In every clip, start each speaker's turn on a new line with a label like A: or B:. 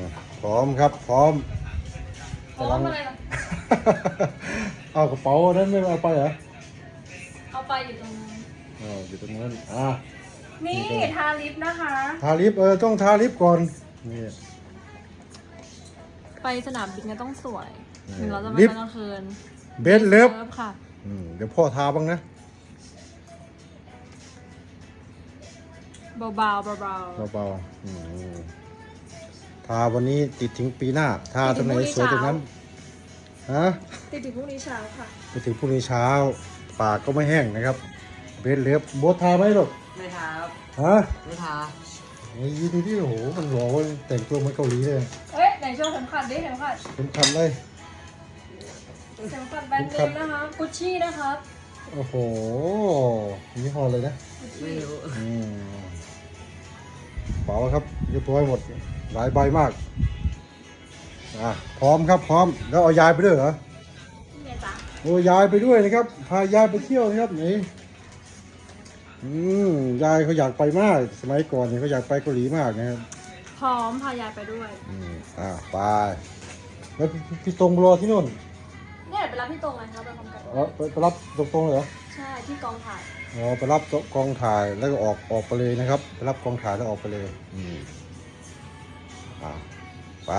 A: พร้อมครับพร้อม
B: พร้อมอะไรล่ะ
A: เอากระเป๋านั้นไม่เอาไปเหรอ
B: เอาไปอยู่ตรงนั้น
A: อยู่ตรงนั้น
B: นี่ทาลิปนะคะ
A: ทาลิปต้องทาลิปก่อนนี่
B: ไปสนามบินก็ต้องสวยถึงเราจะไปตอนกลางคืน
A: เบสเลิฟ
B: ค่ะ
A: เดี๋ยวพ่อทาบ้างนะ
B: เบาๆเบา
A: เบาทาวันนี้ติดถึงปีหน้าทาตรงไหนสวยตรงนั้นฮะ
B: ๆติดถึงพรุ่งนี้เช้าค่ะ
A: ไปถึงพรุ่งนี้เช้าปากก็ไม่แห้งนะครับเบสเลิฟโบททาไหมลูก
C: ไม่ทาครับ
A: ฮะ
C: ไม่ทา
A: โอ้ยดูดิโอ้โหมันหล่อเว้ยแต่งตัวเหมือนเกาหลีเลย
B: เอ้ยไหนโชว์เข็มขัดดิเข็มขัด
A: ผมทำเลย
B: เข็มขัดแบรนด์เนมนะคะกุชชี่นะครับ
A: โอ้โหยี่ห้อเลยนะ
C: ไม่รู้
A: เป๋าครับเรียบร้อยหมดหลายใบมากพร้อมครับพร้อมแล้วเอายายไปด้วยเหรอ
B: นี่ไงจ๊ะ
A: โอ้ยายไปด้วยนะครับพายายไปเที่ยวนะครับนี่ยายเขาอยากไปมากสมัยก่อนเนี่ยเขาอยากไปเกาหลีมากนะครับ
B: พร้อมพายายไปด้วย
A: ไปแล้วพี่ตรงรอที่นู่น
B: เนี่ยไปรับพี่ตรงเลยครับไปพร้อมกัน
A: ไปรับตรงๆเลยเหรอ
B: ใช่ที่กองถ่าย
A: ไปรับกองถ่ายแล้วก็ออกไปเลยนะครับไปรับกองถ่ายแล้วออกไปเลยไป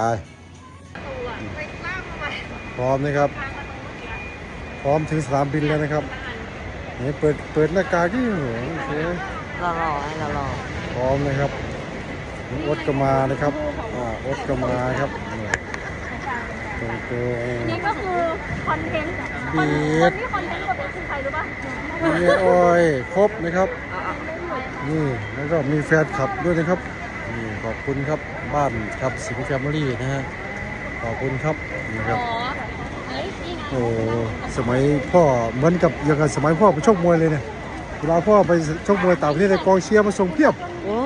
A: พร้อมนะครับพร้อมถึงสนามบินแล้วนะครับนี่เปิดหน้ากากที่หัวโอเค
C: รอให้รอ
A: พร้อมนะครับอดก็มานะครับอดก็มาครับตรง
B: นี่ก็คือคอนเทนต์
A: บี
B: คน
A: ด
B: ที่คอนเทนต์กับเป็นคือใครรู้ป่ะ
A: มีอ้อยครบนะครับนี่แล้วก็มีแฟนคลับด้วยนะครับนี่ขอบคุณครับบ้านครับสิงห์แฟมิลี่นะฮะขอบคุณครับนี่ครับ
B: เฮ้ยนี่ไง
A: โอ้สมัยพ่อเหมือนกับอย่างกับสมัยพ่อไปชกมวยเลยเนี่ยเวลาพ่อไปชกมวยต่างประเทศในกองเชียร์มาส่งเพียบ
C: โอ้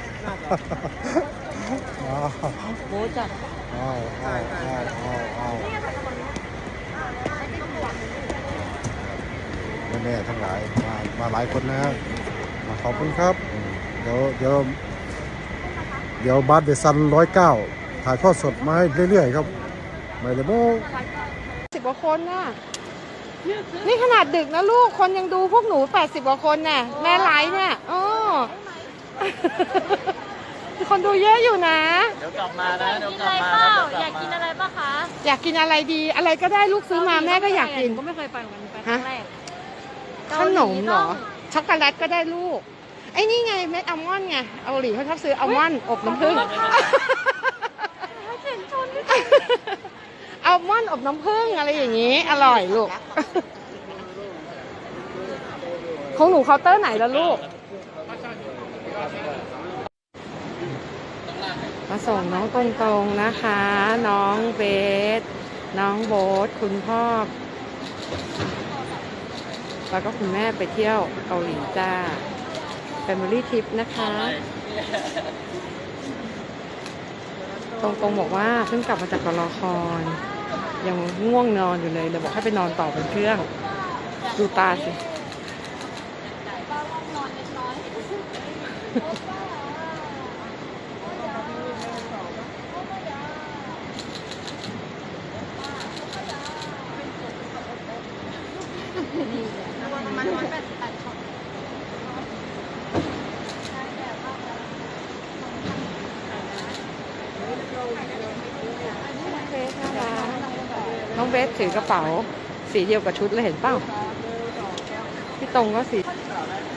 C: โหจัด
A: แม่ทั้งหลายมาหลายคนนะครับขอบคุณครับเดี๋ยวบาสเดซัน109ถ่ายทอดสดมาให้เรื่อยๆครับไม่เลยโม
D: 10 กว่าคนน่ะนี่ขนาดดึกนะลูกคนยังดูพวกหนู80 กว่าคนน่ะแม่ไลฟ์เนี่ยคนดูเยอะอยู่นะ
C: เดี๋ยวกลับมานะเดี๋ยว
B: กิน
C: ก
B: อะ
C: ลับ
B: ไร
C: มา
B: เปล่า
C: นะ
B: อยากกินอะไรป่ะคะ
D: อยากกินอะไรดีอะไรก็ได้ลูกซื้อมาแม่ก็อยากกิน
B: ก็ไม่เคยไปเหมือนกันไปครั้งแรก
D: ขนมเหรอช็อกโกแลตก็ได้ลูกไอ้นี่ไงเม็ดอัลมอนด์ไงเกาหลีเขาชอบซื้ออัลมอนด์อบน้ำผึ้งอัลมอนด์อบน้ำผึ้งอะไรอย่างนี้อร่อยลูกของหนูเคาน์เตอร์ไหนแล้วลูกมาส่งน้องตรงๆนะคะ น้องเบสน้องโบ๊ทคุณพ่อแล้วก็คุณแม่ไปเที่ยวเกาหลีจ้า Family Trip นะคะตรงๆบอกว่าเพิ่งกลับมาจากกลครยังง่วงนอนอยู่เลยเดี๋ยวบอกให้ไปนอนต่อบนเครื่องดูตาสิน้องเบสถือกระเป๋าสีเดียวกับชุดเลยเห็นเปล่าพี่ตรงก็สี